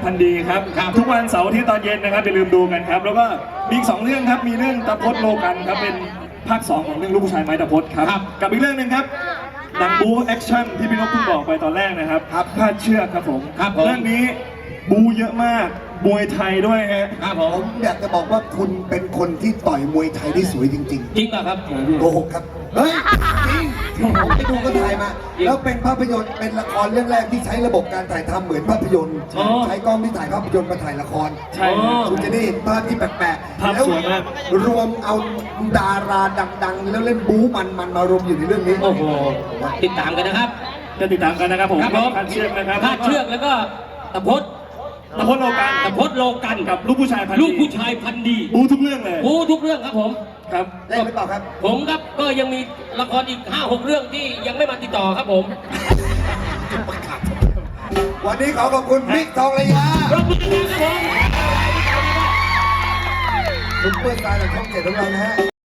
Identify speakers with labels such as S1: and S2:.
S1: พันธุ์ดีครับทุกวันเสาร์ที่ตอนเย็นนะครับอย่าลืมดูกันครับแล้วก็มีอีก2 เรื่องครับมีเรื่องตะพดโลกันครับเป็นภาค 2ของเรื่องลูกผู้ชายไม้ตะพดครับกับอีกเรื่องหนึ่งครับหนังบู๊แอคชั่นที่พี่นกเพิ่งบอกไปตอนแรกนะครับพาดเชือกครับผมเรื่องนี้บู๊เยอะมากมวยไทยด้วยฮะ
S2: ครับผมอยากจะบอกว่าคุณเป็นคนที่ต่อยมวยไทยได้สวยจริงๆจริงป่ะครับโกหกครับเฮ้ยจริงผมไปดูก็ถ่ายมาแล้วเป็นภาพยนตร์เป็นละครเรื่องแรกที่ใช้ระบบการถ่ายทำเหมือนภาพยนตร์ใช้กล้องที่ถ่ายภาพยนตร์มาถ่ายละคร
S1: ใช่
S2: คุณจะได้เห็นภาพที่แปลกๆแล้วรวมเอาดาราดังๆแล้วเล่นบู๊มันมารวมอยู่ในเรื่องนี้
S3: โอ้โหติดตามกันนะครับ
S1: จะติดตามกันนะครับผมพาดเชือกนะครับ
S3: พาดเชือกแล้วก็ตะพด
S1: โลกัน
S3: ตะพดโลกัน
S1: กับลูกผู้ชายพันธุ์ดีบูทุกเรื่องเลย
S3: บูทุกเรื่องครับผม
S1: ครับ
S2: ได้หรือเปล่าครับ
S3: ผมครับก็ยังมีละครอีก 5-6 เรื่องที่ยังไม่มาติดต่อครับผม
S2: วันนี้ขอขอบคุณบิ๊กทองระยะ
S3: ขอบคุณครับผม
S2: ซุปเปอร์สตาร์จากช่อง 7ของเรานะฮะ